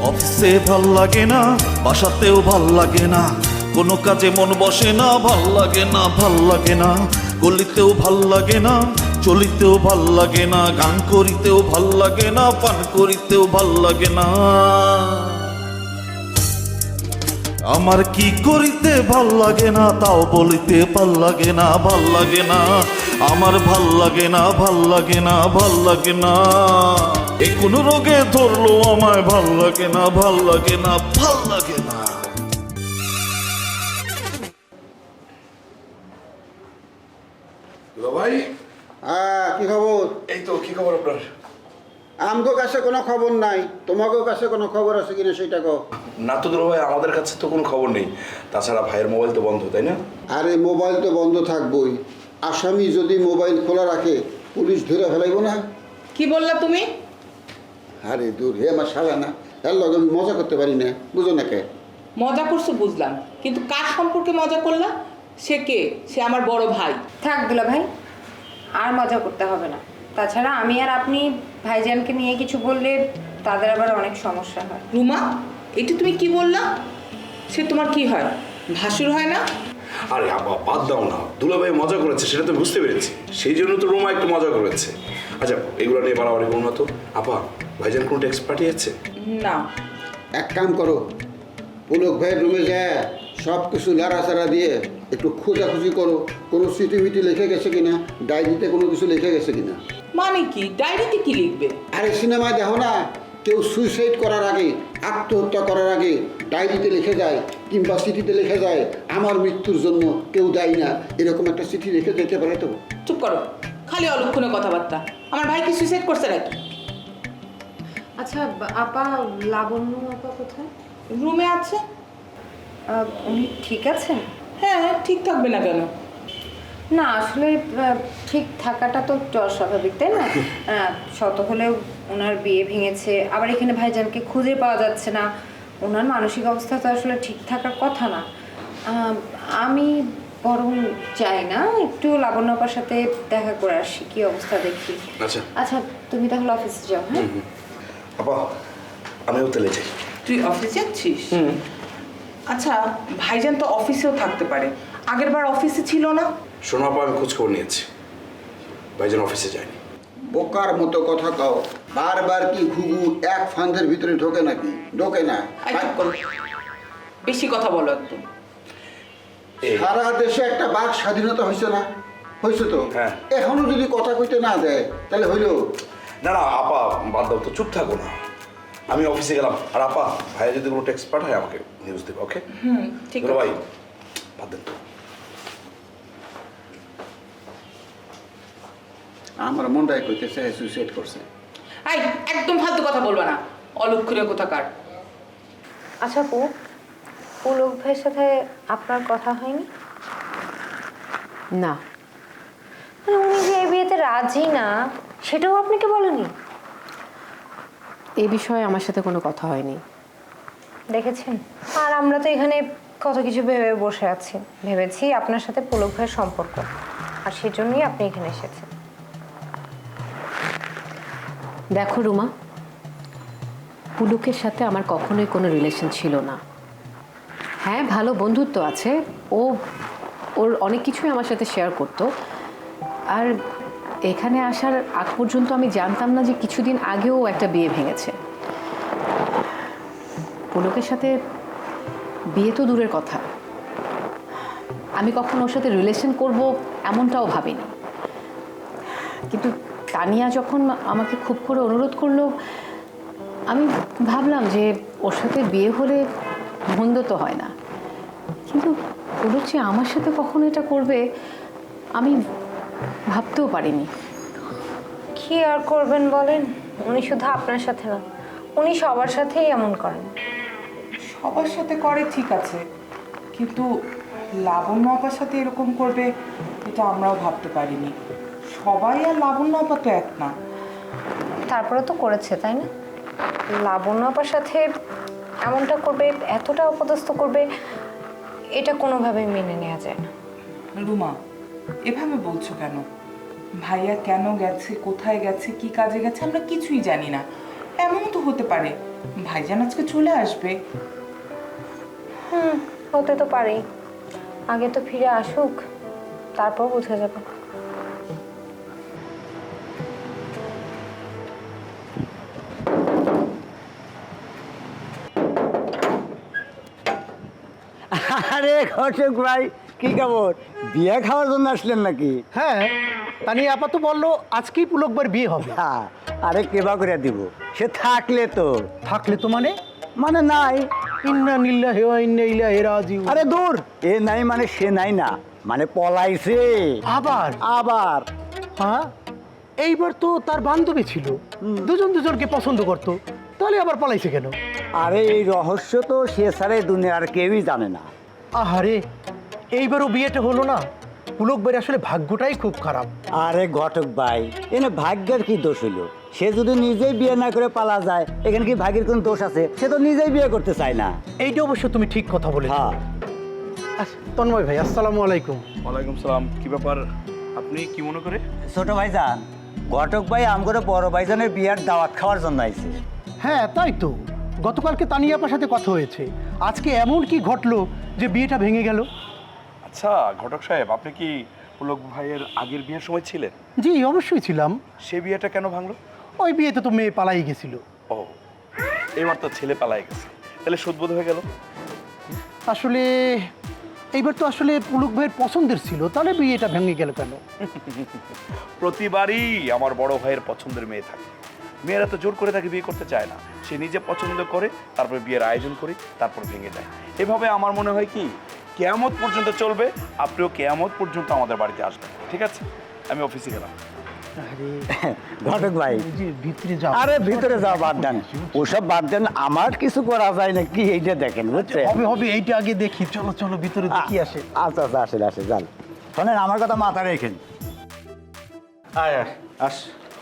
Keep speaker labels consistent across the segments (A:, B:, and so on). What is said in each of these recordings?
A: অফিসে ভাল লাগে না, বাসাতেও ভাল লাগে না, কোনো কাজে মন বসে না, ভাল লাগে না, ভাল লাগে না, গলিতেও ভাল লাগে না, চলিতেও ভাল লাগে না, গান করিতেও ভাল লাগে না, পান করিতেও ভাল লাগে না। আমার কি করিতে ভাল লাগে না তাও বলিতে ভাল লাগে না, ভাল লাগে না, আমার ভাল লাগে না, ভাল লাগে না, ভাল লাগে না। এ কোন রোগে ধরলো আমায়, ভাল লাগে না, ভাল লাগে না, ভাল লাগে না।
B: ভাই,
C: হ্যাঁ, কি খবর?
B: এই তো কি খবর আপনার?
C: আমগো কাছে কোনো খবর নাই, তোমাকেও কাছে কোনো খবর আছে কিনা সেটা কও।
B: না তো দুলা ভাই, আমাদের কাছে তো কোনো খবর নেই। তাছাড়া ভাইয়ের মোবাইল তো বন্ধ, তাই না?
C: আরে মোবাইল তো বন্ধ থাকবই, আসামি যদি মোবাইল খোলা রাখে পুলিশ ধরে ফেলাইব না।
D: কি বললা তুমি?
C: আরে দূর, হে আমার শালা না, এর লগে আমি মজা করতে পারি না, বুঝো না কে?
D: মজা করছো বুঝলাম, কিন্তু কার সম্পর্কে মজা করলা? সে কে? সে আমার বড় ভাই।
E: থাক দুলা ভাই, আর মজা করতে হবে না। তাছাড়া আমি আর আপনি ভাইজানকে নিয়ে কিছু বললে তাদের আবার অনেক সমস্যা হয়।
D: রুমা, এটা তুমি কি বললা? সে তোমার কি হয়? ভাসুর হয় না?
B: আরে আপা বাদ দাও না, দুলা ভাই মজা করেছে সেটা তো বুঝতে পেরেছি, সেই জন্য তো রোমা একটু মজা করেছে। আচ্ছা, এগুলো নিয়ে বাড়াবাড়ি করুন না তো। আপা, ভাইজান কোনো টেক্সট পাঠিয়েছে?
D: না।
C: এক কাম করো, পুলক ভাইয়ের রুমে যায় সব কিছু লাড়াচাড়া দিয়ে একটু খোঁজাখুঁজি করো, কোনো চিঠি মিটি লিখে গেছে কিনা, ডায়েরিতে কোনো কিছু লিখে গেছে কিনা।
D: মানে কি? ডায়েরিতে কি লিখবে?
C: আরে সিনেমায় দেখো না, কেউ সুইসাইড করার আগে, আত্মহত্যা করার আগে ডায়েরিতে লিখে যায় কিংবা চিঠিতে লিখে যায় আমার মৃত্যুর জন্য কেউ দায়ী না, এরকম একটা চিঠি লিখে যেতে পারে তো।
D: চুপ করো, খালি অলক্ষণে কথাবার্তা। আমার ভাই কি সুইসাইড করছে নাকি?
E: আচ্ছা আপা, লাবণ্য আপা কোথায়?
D: রুমে আছে।
E: উনি ঠিক আছেন?
D: হ্যাঁ, ঠিক থাকবে না কেন?
E: না আসলে ঠিক থাকাটা তো স্বাভাবিক, তাই না? শত হলেও ওনার বিয়ে ভেঙেছে, আবার এখানে ভাইজানকে খুঁজে পাওয়া যাচ্ছে না, ওনার মানসিক অবস্থা তো আসলে ঠিক থাকার কথা না। আমি বরং চাই না, একটু লাবণ্য আপার সাথে দেখা করে আসি, কি অবস্থা দেখি।
B: আচ্ছা
E: আচ্ছা, তুমি তাহলে অফিসে যাও। হ্যাঁ
B: আপা, আমিও তেলে যাই।
D: তুই অফিসে যাচ্ছিস? আচ্ছা, ভাইজান তো অফিসেও থাকতে পারে, আগের বার অফিসে ছিল না?
B: শোনো আপা, আমি খোঁজ খবর নিয়েছি, ভাইজান অফিসে যায়নি।
C: বোকার মতো কথা কও, বারবার কি ঘুঘু এক ফান্দের ভিতরে ঢোকে নাকি? ঢোকে না।
D: এই চুপ করো। বেশি কথা বলো একটু।
C: সারা দেশে একটা বাক স্বাধীনতা হয়েছে না? হয়েছে তো।
B: হ্যাঁ।
C: এখনো যদি কথা কইতে না দেয় তাহলে হইল?
B: না না আপা, বাদ দাও তো, চুপ থাকো না। আমি অফিসে গেলাম, আর আপা ভাইয়া যদি কোনো টেক্সট পাঠায় আমাকে নিউজ দেবে, ওকে?
D: ঠিক
B: দুলা
D: আছে।
B: ভাই, বাদ দেন তো।
C: আমার মনটাই কইতেছে সুইসাইড করছে।
D: এই, একদম ফালতু কথা বলবা না, অলক্ষণীয় কোথাকার।
E: আচ্ছা আপু, পুলক ভাইয়ের সাথে আপনার কথা হয়নি?
F: না।
E: মানে উনি যে এই বিয়েতে রাজি না, সেটাও আপনাকে বলেনি?
F: এ বিষয়ে আমার সাথে কোনো কথা হয়নি।
E: দেখেছেন, আর আমরা তো এখানে কত কিছু ভেবে বসে আছি, ভেবেছি আপনার সাথে পুলক ভাইয়ের সম্পর্ক, আর সেজন্যই আপনি এখানে এসেছেন।
F: দেখো রুমা, পুলকের সাথে আমার কখনোই কোনো রিলেশন ছিল না। হ্যাঁ, ভালো বন্ধুত্ব আছে, ওর অনেক কিছুই আমার সাথে শেয়ার করতো। আর এখানে আসার আগ পর্যন্ত আমি জানতাম না যে কিছুদিন আগেও একটা বিয়ে ভেঙেছে। পুলকের সাথে বিয়ে তো দূরের কথা, আমি কখনো ওর সাথে রিলেশন করব এমনটাও ভাবিনি। কিন্তু তানিয়া যখন আমাকে খুব করে অনুরোধ করলো, আমি ভাবলাম যে ওর সাথে বিয়ে হলে মন্দ তো হয় না, কিন্তু পুলক যে আমার সাথে কখনো এটা করবে আমি ভাবতেও পারিনি।
E: কি আর করবেন বলেন, উনি শুধু আপনার সাথে না, উনি সবার সাথেই এমন করেন।
D: সবার সাথে করে ঠিক আছে, কিন্তু লাবণ্য আপার সাথে এরকম করবে এটা আমরাও ভাবতে পারিনি। সবাই আর লাবণ্য আপা তো এক না।
E: তারপরে তো করেছে, তাই না? লাবণ্য আপার সাথে এমনটা করবে, এতটা অপদস্থ করবে, এটা কোনোভাবেই মেনে নেওয়া যায় না।
D: রুমা, এভাবে বলছো কেন? ভাইয়া কেন গেছে, কোথায় গেছে, কি কাজে গেছে আমরা কিছুই জানি না। এমন তো হতে পারে ভাইজান আজকে চলে আসবে।
E: হতে তো পারেই, আগে তো ফিরে আসুক, তারপর বোঝা যাবে।
G: আরে ঘটক ভাই, কি খবর? বিয়ে খাওয়ার জন্য আসলেন নাকি?
H: হ্যাঁ, তানি আপা তো বললো আজকেই পুলকবার বিয়ে হবে।
G: হ্যাঁ, আরে কেবা করে দিব, সে থাকলে তো।
H: থাকলে তো মানে
G: মানে নাই।
H: ইন্না নিল্লাহি ওয়া ইন্না ইলাইহি রাজিউন।
G: আরে দূর, এ নাই মানে সে নাই না, মানে পলাইছে।
H: আবার
G: আবার
H: হ্যাঁ, এইবার তো তার বান্ধবী ছিল, দুজন দুজনকে পছন্দ করতো, তাহলে আবার পলাইছে কেন?
G: আরে এই রহস্য তো সে ছাড়া এই দুনিয়ার কেউই জানে না।
H: আহারে, এইবারও বিয়েটা হলো না। পুলক ভাইয়ের আসলে ভাগ্যটাই খুব খারাপ।
G: আরে ঘটক ভাই, এনে ভাগ্যের কি দোষ হইলো? সে যদি নিজেই বিয়ে না করে পালা যায়, এখানে কি ভাগ্যের কোন দোষ আছে? সে তো নিজেই বিয়ে করতে চায় না।
H: এইটা অবশ্য তুমি ঠিক কথা বলে।
G: হ্যাঁ,
H: তন্ময় ভাই, আসসালামু আলাইকুম।
B: ওয়ালাইকুম সালাম। কি ব্যাপার, আপনি কি মনে করে?
G: ছোট ভাইজান, ঘটক ভাই আমগরে বড় ভাইজানের বিয়ার দাওয়াত খাওয়ার জন্য আইছে।
H: হ্যাঁ তাই তো, গতকালকে তানিয়া আপার সাথে কথা হয়েছে, আজকে এমন কি ঘটলো যে বিয়েটা ভেঙে গেল?
B: আচ্ছা ঘটক সাহেব, আপনি কি পুলক ভাইয়ের আগের বিয়ের সময় ছিলেন?
H: জি অবশ্যই ছিলাম।
B: সে বিয়েটা কেন ভাঙলো?
H: ওই বিয়েতে তো মেয়ে পালাই গেছিল।
B: ও, এবার তো ছেলে পালাই গেছে, তাহলে সুদবোধ হয়ে গেল।
H: আসলে এইবার তো আসলে পুলক ভাইয়ের পছন্দের ছিল, তাহলে বিয়েটা ভেঙে গেল কেন?
B: প্রতিবারই আমার বড় ভাইয়ের পছন্দের মেয়ে থাকে, মেয়েরা তো জোর করে তাকে বিয়ে করতে চায় না, সে নিজে পছন্দ করে, তারপরে বিয়ের আয়োজন করি, তারপর ভেঙে যায়। এভাবে আমার মনে হয় কি কিয়ামত পর্যন্ত চলবে, আপনিও কিয়ামত পর্যন্ত আমাদের বাড়িতে আসবেন। ঠিক আছে, আমি অফিসে গেলাম।
G: ঘটক ভাই,
H: জি, ভিতরে যাও।
G: আরে ভিতরে যাও, বাদ দেন ওসব, বাদ দেন। আমার কিছু করা যায় না কি, এইটা দেখেন বুঝছেন?
H: হবে হবে, এইটা আগে দেখি। চলো চলো ভিতরে দেখি আসে।
G: আচ্ছা আচ্ছা, আসেন আসেন, যান। শোনেন, আমার কথা মাথা রেখেন।
I: আয় আয় আস।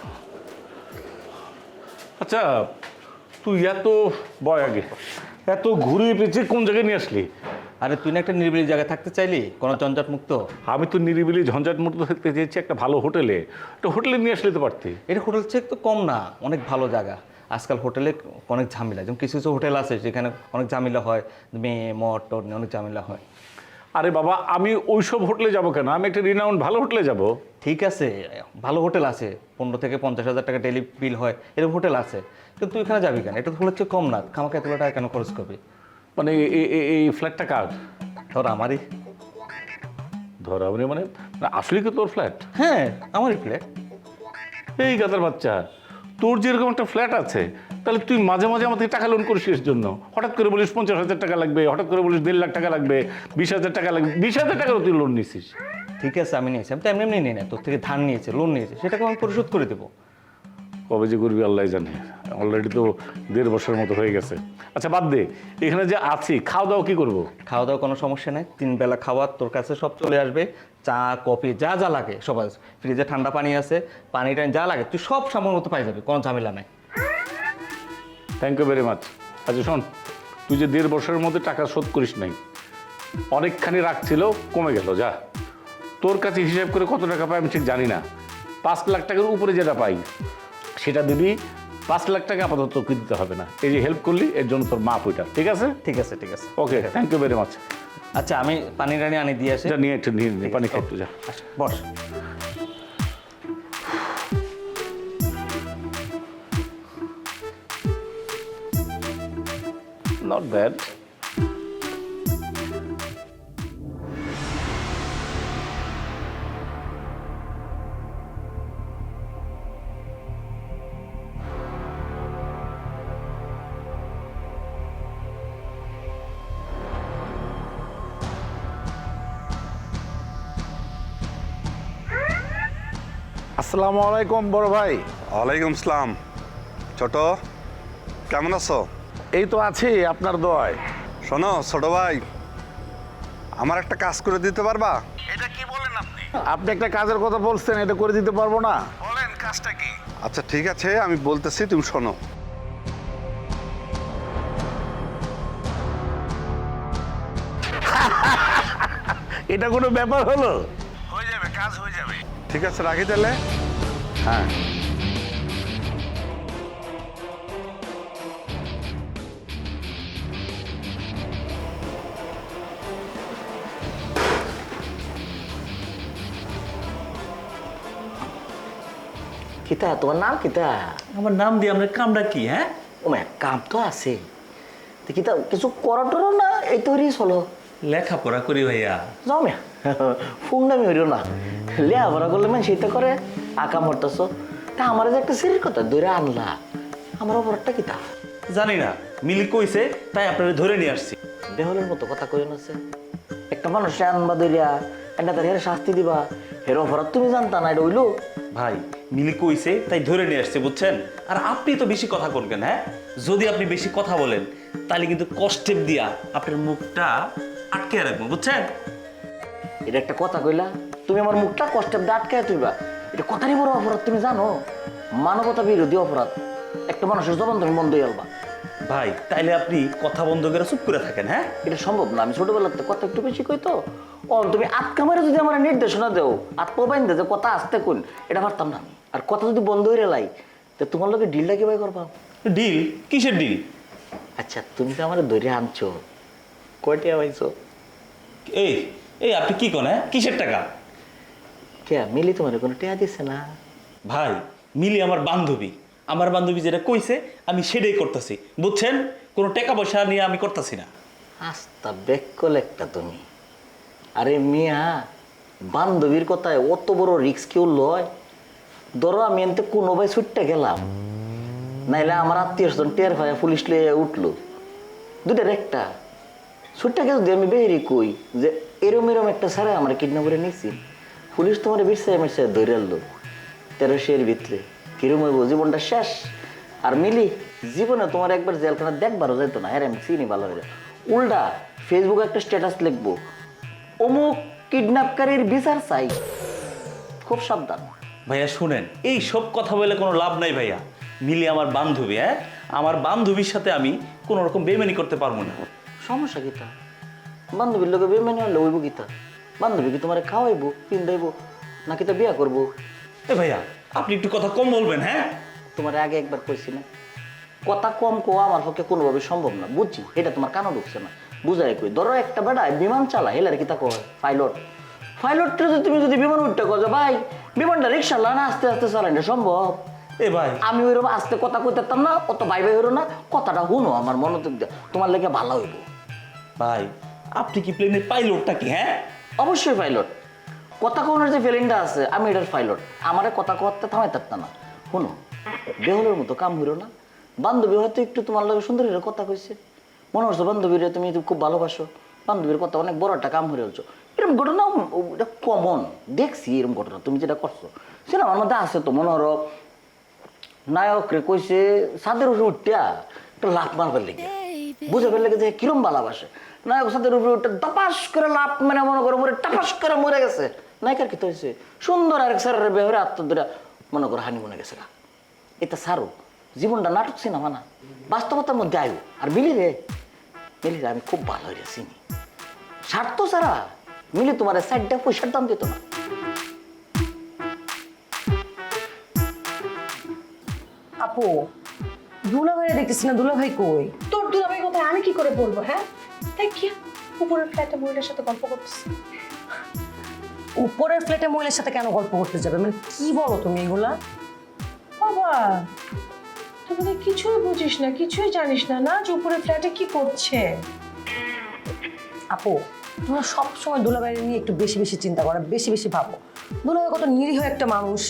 I: আচ্ছা, তুই এত বয় আগে এত ঘুরিয়ে পেঁচিয়ে কোন জায়গায় নিয়ে আসলি?
J: আরে তুই না একটা নিরিবিলি জায়গায় থাকতে চাইলি, কোনো ঝঞ্ঝাট মুক্ত।
I: আমি তো নিরিবিলি ঝঞ্ঝাট মুক্ত থাকতে চেয়েছি একটা ভালো হোটেলে। একটা হোটেলে নিয়ে আসলে তো পারতি।
J: এটা হোটেল চেক তো কম না, অনেক ভালো জায়গা। আজকাল হোটেলে অনেক ঝামেলা, যেমন কিছু কিছু হোটেল আছে যেখানে অনেক ঝামেলা হয়, মেয়ে মদ টদ নিয়ে অনেক ঝামেলা হয়।
I: আরে বাবা, আমি ওইসব হোটেলে যাব কেন? আমি একটা রিনাউন্ড ভালো হোটেলে যাব।
J: ঠিক আছে, ভালো হোটেল আছে, 15 থেকে 50,000 টাকা ডেলি বিল হয়, এরকম হোটেল আছে। কিন্তু তুই এখানে যাবি কেন? এটা তো হোটেলের চেয়ে কম না, খামাকে এত টাকা কেন খরচ করবি?
I: মানে এই ফ্ল্যাটটা কার?
J: ধর আমারই।
I: ধর আমি মানে আসলে কি তোর ফ্ল্যাট?
J: হ্যাঁ, আমারই প্লেট।
I: এই গাদার বাচ্চা, তোর যেরকম একটা ফ্ল্যাট আছে, তাহলে তুই মাঝে মাঝে আমাদের টাকা লোন করিস এর জন্য। হঠাৎ করে বলিস 50,000 টাকা লাগবে, হঠাৎ করে বলিস 1.5 লাখ টাকা লাগবে, 20,000 টাকা লাগবে। 20,000 টাকারও তুই লোন নিছিস।
J: ঠিক আছে, আমি নিয়েছি, আমি তো এমনি এমনি নিই না, তোর থেকে ধার নিয়েছে, লোন নিয়েছে, সেটাকে আমি পরিশোধ করে দেবো।
I: কবে যে করবি আল্লাহ জানে। অলরেডি তো 1.5 বছরের মতো হয়ে গেছে। আচ্ছা বাদ দে, এখানে যে আছি খাওয়া দাওয়া কি করবো?
J: খাওয়া দাওয়া কোনো সমস্যা নেই, 3 বেলা খাওয়া তোর কাছে সব চলে আসবে। চা কফি যা যা লাগে সব আছে, ফ্রিজে ঠান্ডা পানি আছে, পানি টানি যা লাগে তুই সব সময় মতো পাই যাবি, কোনো ঝামেলা নাই।
I: Thank you very much. আচ্ছা শোন, তুই যে 1.5 বছরের মধ্যে টাকা শোধ করিস নাই, অনেকখানি রাখছিল, কমে গেল। যা, তোর কাছে হিসাব করে কত টাকা পাই আমি ঠিক জানি না, 5 লাখ টাকার উপরে যেটা পাই সেটা দিবি। 5 লাখ টাকা আপাতত তোকে দিতে হবে না। এই যে হেল্প করলি এর জন্য তোর মাপ ওইটা। ঠিক আছে?
J: ঠিক আছে ঠিক আছে,
I: okay, thank you very much.
J: আচ্ছা আমি পানি টানি আনি দিয়ে আসি।
I: যা নিয়ে একটু নিয়ে নে, পানি খাই একটু, যা।
J: আচ্ছা, বস।
I: Not bad.
K: আসসালামু আলাইকুম বড় ভাই।
L: ওয়ালাইকুম আসসালাম। ছোট, কেমন আছো?
I: এই তো আছি আপনার দোয়ায়।
L: শোনো ছোট ভাই, আমার একটা কাজ করে দিতে পারবা?
I: আপনি একটা কাজের কথা বলছেন, এটা করে দিতে পারবো না?
L: বলেন কাজটা কি? আচ্ছা ঠিক আছে, আমি বলতেছি, তুমি শোনো।
I: এটা কোনো ব্যাপার হলো?
L: হয়ে যাবে, কাজ হয়ে যাবে। ঠিক আছে, রাখি তাহলে।
I: হ্যাঁ।
M: কিতা তোমার নাম কিতা?
J: আমার নাম দিয়ে আপনার কামটা কি? হ্যাঁ,
M: ও মা কাম তো আছে, তো কিতা কিছু করো টরো না, এই তৈরি চলো।
J: লেখাপড়া করি ভাইয়া।
M: যাও মিয়া, ফুংনামি হইল না, লেখাপড়া করলে মানে সেটা করে আঁকা মরতেছ। তা আমার যে একটা সিরির কথা ধরে আনলা, আমার অপরাধটা কিতা?
J: জানি না, মিলি কইছে তাই আপনারা ধরে নিয়ে আসছি।
M: বেহলের মতো কথা কই আছে, একটা মানুষ আনবা ধরিয়া একটা তার হেরে শাস্তি দিবা, হের অপরাধ তুমি জানতা না, এটা হইলো?
J: ভাই মিলি কইছে তাই ধরে নিয়ে আসছে, বুঝছেন? আর আপনি তো বেশি কথা বলবেন। হ্যাঁ, যদি আপনি বেশি কথা বলেন তাহলে কিন্তু কষ্টেপ দিয়া আপনার মুখটা আটকে রাখবো, বুঝছেন?
M: এটা একটা কথা কইলা, তুমি আমার মুখটা কষ্টের দিয়ে আটকায় তুইবা, এটা কথারই বড় অপরাধ। তুমি জানো মানবতা বিরোধী অপরাধ, একটা মানুষের জবান তুমি বন্ধ হয়ে আলবা।
J: ভাই তাইলে আপনি কথা বন্ধ করে চুপ করে থাকেন। হ্যাঁ,
M: এটা সম্ভব না, আমি ছোটবেলাতে কথা একটু বেশি কই তো। ও তুমি আটকা মারে যদি আমার নির্দেশনা দেও, আত্মবাইন দে যে কথা আসতে কোন, এটা পারতাম না আমি। আর কথা যদি বন্ধ হয়ে লাই, তো তোমার লোকে ডিলটা কিভাবে করবা?
J: ডিল? কিসের ডিল?
M: আচ্ছা তুমি তো আমার ধরে আনছো, কয়টা পাইছো?
J: এই এই আপনি কি কোন? হ্যাঁ, কিসের টাকা?
M: কে মিলি তোমার কোনো টেয়া দিছে না?
J: ভাই মিলি আমার বান্ধবী, আমার বান্ধবী যেটা কইছে আমি সেটাই করতেছি, বুঝছেন? কোনো টাকা পয়সা নিয়ে আমি করতেছি না।
M: আস্তা বেকল একটা তুমি। আরে মিয়া, বান্ধবীর কথায় অত বড় রিস্ক কেউ লয়? ধরো আমি এনতে কোনো ভাই ছুটতে গেলাম, নাইলে আমার আত্মীয় স্বজন টের ভাই পুলিশ লিয়ে উঠলো, দুটার একটা ছুটতে গেলে যদি আমি বেহেরি কই যে এরম এরম একটা সারা আমার কিডন্যাপ করে নিয়েছি, পুলিশ তোমার বিরসায় মিরসায় ধরে আনলো 1300 ভিতরে, কিরম হইব? জীবনটা শেষ। আর মিলি জীবনে তোমার একবার জেলখানা দেখবারও যেত না, হ্যাঁ আমি চিনি ভালো হয়ে। উল্টা ফেসবুকে একটা স্ট্যাটাস লিখবো, অমুক কিডন্যাপকারীর বিচার চাই। খুব সাবধান।
J: ভাইয়া শুনেন, এই সব কথা বলে কোনো লাভ নাই ভাইয়া। মিলি আমার বান্ধবী। হ্যাঁ, আমার বান্ধবীর সাথে আমি কোনো রকম বেমানি করতে পারবো না।
M: সমস্যা কিতা? বান্ধবীর লোকে বেমানি হলে হইব কিতা? বান্ধবী কি তোমার খাওয়াইবো, পিন্দাইবো, না কিতা বিয়া করবো?
J: এ ভাইয়া আপনি একটু কথা কম বলবেন। হ্যাঁ,
M: তোমার আগে একবার কইছি না, কথা কম কোয়া আমার পক্ষে কোনোভাবে সম্ভব না, বুঝছি। এটা তোমার কানও ঢুকছে না, বুঝাই কই। ধরো একটা বেড়ায় বিমান চালা, হেলার কিতা কয় পাইলট। পাইলটটা যদি তুমি যদি বিমান উঠতে কো যে ভাই বিমানটা রিক্সা না আস্তে আস্তে চালাই, না সম্ভব?
J: এ ভাই
M: আমি ওইরকম আস্তে কথা কইতাম না, অত ভাই ভাই হইরো না, কথাটা শুনো আমার মনোযোগ দিয়ে, তোমার লেগে ভালো হইব।
J: ভাই আপনি কি প্লেনের পাইলটটা কি? হ্যাঁ
M: অবশ্যই পাইলট। কথা কোনের যে ফিলিংটা আছে, আমি এটার পাইলট। আমারে কথা কতে থামাই থাকতাম না। শুনো, বেহলের মতো কাম হইরো না। বান্ধবী হয়তো একটু তোমার লগে সুন্দর হইরে কথা কইছে, মনে হচ্ছে বান্ধবীরা তুমি খুব ভালোবাসো, বান্ধবীর কথা অনেক বড় একটা কাম হয়ে হচ্ছে। এরকম ঘটনা এটা কমন, দেখছি এরকম ঘটনা। তুমি যেটা করছো সেটা আমার মধ্যে আছে তো। মনে হলো নায়ক রে কইছে ছাদের উপরে উঠা একটা লাফ মারবার লেগে, বুঝে ফেললে যে কিরম ভালোবাসে। নায়ক ছাদের উপরে উঠে দপাস করে লাফ মানে মনে করো মরে টাপাস করে মরে গেছে। নায়িকার কি হয়েছে? সুন্দর আরেক স্যারের বেহরে আত্মদূরা মনে করো হানি মনে গেছে। এটা সারো, জীবনটা নাটক সিনেমা না, বাস্তবতার মধ্যে আয়ু। আর মিলি রে আমি খুব ভালো হয়ে চিনি। স্বার্থ ছাড়া মিলি তোমার সাইডটা পয়সার দাম দিত না।
N: আপু, দুলাভাই দেখতেছি না, দুলাভাই কই?
O: তোর দুলাভাই কোথায়? আমি কি করে বলবো? হ্যাঁ তাই কি উপরের ফ্ল্যাটে মহিলার সাথে গল্প করতেছি।
N: উপরের ফ্ল্যাটে মহিলার সাথে কেন গল্প করতে যাবে? মানে কি বলো তুমি এগুলা?
O: বাবা তুমি কিছুই বুঝিস না, কিছুই জানিস না, না যে উপরের ফ্ল্যাটে কি করছে।
N: আপু, তোমরা সবসময় দুলাভাই নিয়ে একটু বেশি বেশি চিন্তা করো, বেশি বেশি ভাবো। দুলাভাই কত নিরীহ একটা মানুষ।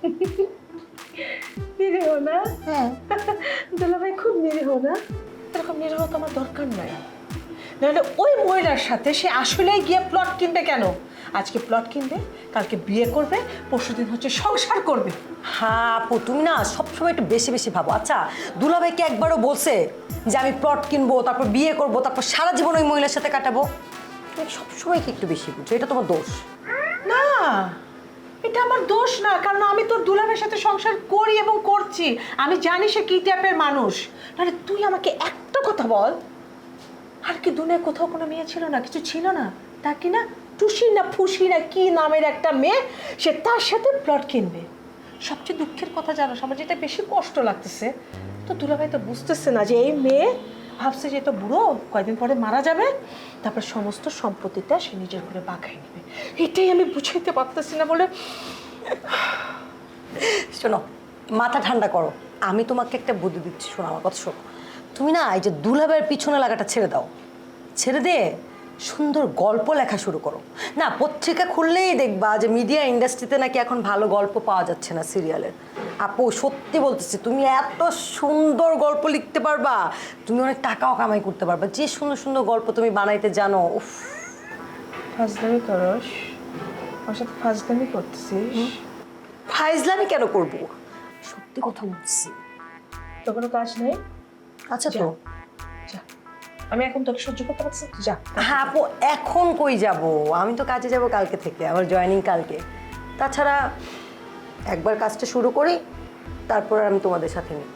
O: নিরীহ না?
N: হ্যাঁ,
O: দুলাভাই খুব নিরীহ না? এরকম নিরীহ তো আমার দরকার নাই। নাহলে ওই মহিলার সাথে সে আসলেই গিয়ে প্লট কিনবে কেন? আজকে প্লট কিনবে, কালকে বিয়ে করবে, পরশুদিন হচ্ছে সংসার করবে।
N: হ্যাঁ আপু, তুমি না সবসময় একটু বেশি বেশি ভাবো। আচ্ছা, দুলাভাইকে একবারও বলছে যে আমি প্লট কিনবো, তারপর বিয়ে করবো, তারপর সারা জীবন ওই মহিলার সাথে কাটাবো? তুমি সবসময় কি একটু বেশি বুঝছো, এটা তোমার দোষ।
O: না, এটা আমার দোষ না, কারণ আমি তোর দুলাভাইয়ের সাথে সংসার করি এবং করছি। আমি জানি সে কি টাইপের মানুষ। তাহলে তুই আমাকে একটা কথা বল, আর কি দুনিয়ায় কোথাও কোনো মেয়ে ছিল না, কিছু ছিল না, তা কি না টুসি না ফুসি না কি নামের একটা মেয়ে, সে তার সাথে প্লট কিনবে। সবচেয়ে দুঃখের কথা জানো, আমার যেটা বেশি কষ্ট লাগতেছে, তো দুলাভাই তো বুঝতেছে না যে এই মেয়ে ভাবছে যে তো বুড়ো, কয়েকদিন পরে মারা যাবে, তারপর সমস্ত সম্পত্তিটা সে নিজের ঘরে বাগাই নেবে। এটাই আমি বুঝাইতে পারতেছি না বলে।
N: শোনো, মাথা ঠান্ডা করো। আমি তোমাকে একটা বুদ্ধি দিচ্ছি, শোনো আমার কথা শোনো। তুমি না এই যে দুলাভাইয়ের পিছনে লাগাটা ছেড়ে দাও, ছেড়ে দিয়ে সুন্দর গল্প লেখা শুরু করো। না, পত্রিকা খুললেই দেখবা যে মিডিয়া ইন্ডাস্ট্রিতে নাকি এখন ভালো গল্প পাওয়া যাচ্ছে না সিরিয়ালের। আপু সত্যি বলতেছি, তুমি এত সুন্দর গল্প লিখতে পারবা, তুমি অনেক টাকাও কামাই করতে পারবা। যে সুন্দর সুন্দর গল্প তুমি বানাইতে জানো। উফ,
D: ফাজলামি করস, আমার সাথে ফাজলামি করতেছিস।
N: ফাইজলামি কেন করবো, সত্যি কথা বলছি।
D: তো কোনো কাজ নেই?
N: আচ্ছা তো
D: যা, আমি এখন তোকে সহ্য করতে পারছি না, যা।
N: হ্যাঁ আপু, এখন কই যাব? আমি তো কাজে যাব কালকে থেকে, আমার জয়েনিং কালকে। তাছাড়া একবার কাজটা শুরু করি, তারপর আমি তোমাদের সাথে নিই।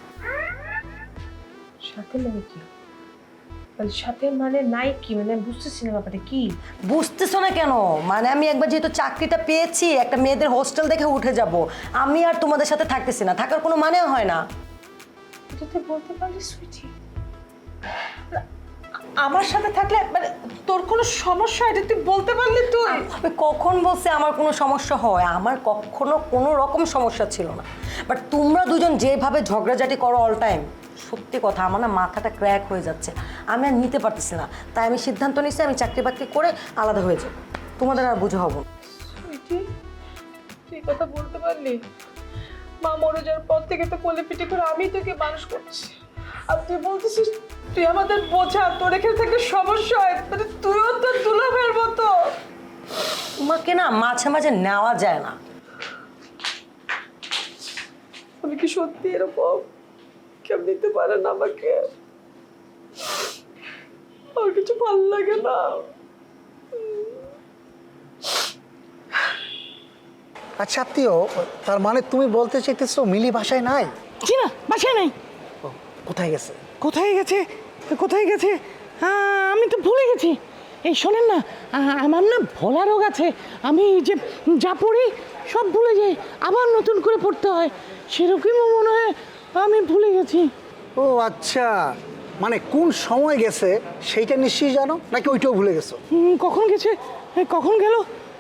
D: সাথে মানে কি? সাথে মানে নাই কি, মানে বুঝতেছি না ব্যাপারটা কি।
N: বুঝতেছো না কেন? মানে আমি একবার যেহেতু চাকরিটা পেয়েছি, একটা মেয়েদের হোস্টেল দেখে উঠে যাব। আমি আর তোমাদের সাথে থাকতেছি না, থাকার কোনো মানেও হয় না।
D: এটা তুই বলতে পারলি সুইটি? আমার সাথে থাকলে মানে তোর কোনো সমস্যা, এটা তুই বলতে পারলি? তুই
N: আমি কখন বলছে আমার কোনো সমস্যা হয়? আমার কখনো কোনো রকম সমস্যা ছিল না। বাট তোমরা দুজন যেভাবে ঝগড়াঝাটি করো অল টাইম, সত্যি কথা আমার না মাথাটা ক্র্যাক হয়ে যাচ্ছে। আমি আর নিতে পারতেছি না, তাই আমি সিদ্ধান্ত নিচ্ছি আমি চাকরি বাকরি করে আলাদা হয়ে যাব। তোমাদের আর বুঝে হব না।
D: তুই কথা বলতে পারলি? মা মরে যাওয়ার পর থেকে তো কোলে পিঠে করে আমি তোকে মানুষ করছি, আর তুই বলতেছিস তুই আমাদের বোঝা, তোর এখানে থাকলে সমস্যা হয়। মানে তুইও তো দুলাভের মতো।
N: তোমাকে না মাঝে মাঝে নেওয়া যায় না।
D: আমি কি সত্যি এরকম? কেউ নিতে পারে না আমাকে? আর কিছু ভালো লাগে না।
H: আচ্ছা আত্মীয়, তার মানে তুমি বলতে চাইতেছো মিলি বাসায় নাই?
O: জি না, বাসায় নাই।
H: কোথায় গেছে?
O: কোথায় গেছে, কোথায় গেছে আমি তো ভুলে গেছি। এই শোনেন না, আমার না ভোলা রোগ আছে। আমি যে যা পড়ি সব ভুলে যাই, আবার নতুন করে পড়তে হয়। সেরকমই মনে হয় আমি ভুলে গেছি।
H: ও আচ্ছা, মানে কোন সময় গেছে সেইটা নিশ্চয়ই জানো, নাকি ওইটাও ভুলে গেছো?
O: কখন গেছে, কখন গেল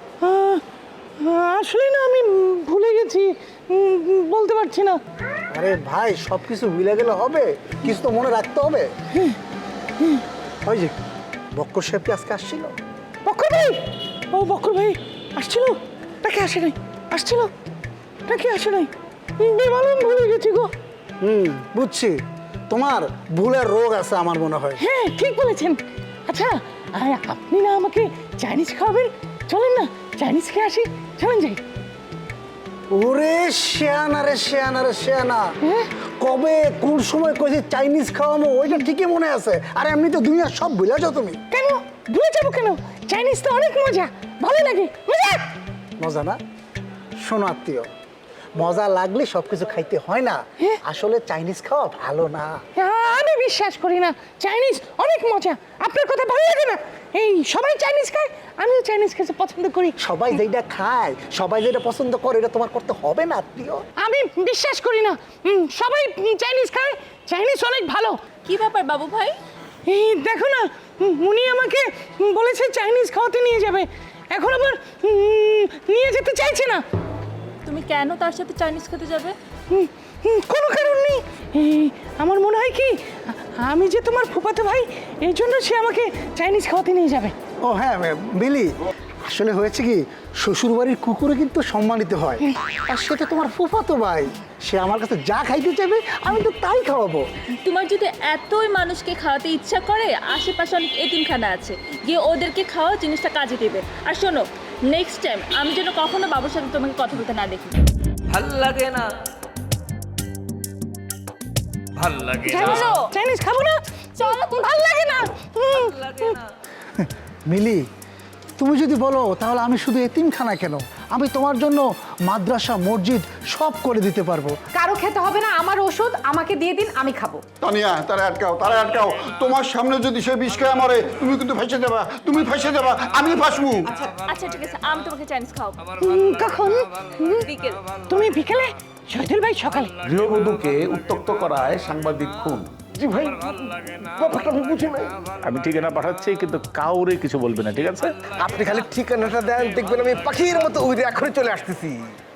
O: আসলে না আমি ভুলে গেছি, বলতে পারছি না।
H: আরে ভাই, সব কিছু ভুলে গেলে হবে? কিছু তো মনে রাখতে হবে। ওই যে বক্কর সাহেব কি আজকে আসছিল?
O: বক্কর ভাই, ও বক্কর ভাই আসছিল নাকি আসে নাই? আসছিল নাকি আসে নাই? বেমালুম ভুলে গেছি গো।
H: বুঝছি, তোমার ভুলের রোগ আছে আমার মনে হয়।
O: হ্যাঁ ঠিক বলেছেন। আচ্ছা আপনি না আমাকে চাইনিজ খাওয়াবেন, চলেন না চাইনিজ খেয়ে আসি, চলেন যাই।
H: ওরে শেয়ানা রে শেয়ানা রে শেয়ানা, কবে কোন সময় কইছি চাইনিজ খাওয়াবো ওইটা ঠিকই মনে আছে। আর এমনি তো দুনিয়া সব ভুলে যাও তুমি।
O: কেন ভুলে যাবো কেন? চাইনিজ তো অনেক মজা, ভালো লাগে। মজা
H: মজা না? শোনো আত্মীয়, মজা লাগলে সবকিছু খাইতে হয় না। আসলে চাইনিজ খাওয়া ভালো না।
O: আমি বিশ্বাস করি না, চাইনিজ অনেক মজা। আপনার কথা ভালো লাগে না? এই সবাই চাইনিজ খায়, আমিও চাইনিজ খেতে পছন্দ করি।
H: সবাই যেটা খায়, সবাই যেটা পছন্দ করে, এটা তোমার করতে হবে না আত্মীয়।
O: আমি বিশ্বাস করি না, সবাই চাইনিজ খায়, চাইনিজ অনেক ভালো।
E: কি ব্যাপার বাবু ভাই?
O: এই দেখো না, উনি আমাকে বলেছে চাইনিজ খাওয়াতে নিয়ে যাবে, এখন আবার নিয়ে যেতে চাইছে না।
E: তুমি কেন তার সাথে চাইনিজ খেতে যাবে?
O: কোনো কারণ নেই। আমার মনে হয় কি, আমি যে তোমার ফুফাতো ভাই, এই জন্য সে আমাকে চাইনিজ খাওয়াতে নিয়ে যাবে।
H: ও হ্যাঁ বিলি, আসলে হয়েছে কি, শ্বশুরবাড়ির কুকুরে কিন্তু সম্মানিত হয়। আর সেটা তোমার ফুফাতো ভাই, সে আমার কাছে যা খাইতে চাইবে আমি তো তাই খাওয়াবো।
E: তোমার যদি এতই মানুষকে খাওয়াতে ইচ্ছা করে, আশেপাশে অনেক এতিমখানা আছে, গিয়ে ওদেরকে খাওয়া, জিনিসটা কাজে দেবে। আর শোনো, নেক্সট টাইম আমি যেন কখনো বাবুর সাথে তোমাকে কথা বলতে না দেখি।
J: ভাল লাগে না, ভাল লাগে না,
O: চাইনিজ খাবো না, চলো, ভালো লাগে না।
H: মিলি, তুমি যদি বলো তাহলে আমি শুধু এতিমখানা কেন, আমি তোমার জন্য মাদ্রাসা, মসজিদ সব করে দিতে পারবো।
F: কারো খেতে হবে না, আমার ওষুধ আমাকে দিয়ে দিন, আমি খাবো।
C: তানিয়া, তারা আটকাও, তারা আটকাও। তোমার সামনে যদি সে বিষ খেয়ে মরে, তুমি কিন্তু ফেসে যাবা, তুমি ফেসে যাবা, আমি ফাঁসবো।
E: আচ্ছা ঠিক আছে, আমি তোমাকে চাইনিজ খাওয়াবো।
O: কখন?
E: বিকেল।
O: তুমি বিকেলে, শহীদুল ভাই সকালে।
I: গৃহবধূকে উত্ত্যক্ত করায় সাংবাদিক খুন।
H: জি ভাই, ব্যাপারটা আমি বুঝি নাই।
I: আমি ঠিকানা পাঠাচ্ছি, কিন্তু কাউরে কিছু বলবে না, ঠিক আছে?
H: আপনি খালি ঠিকানাটা দেন, দেখবেন আমি পাখির মতো উড়ে এখনই চলে আসতেছি।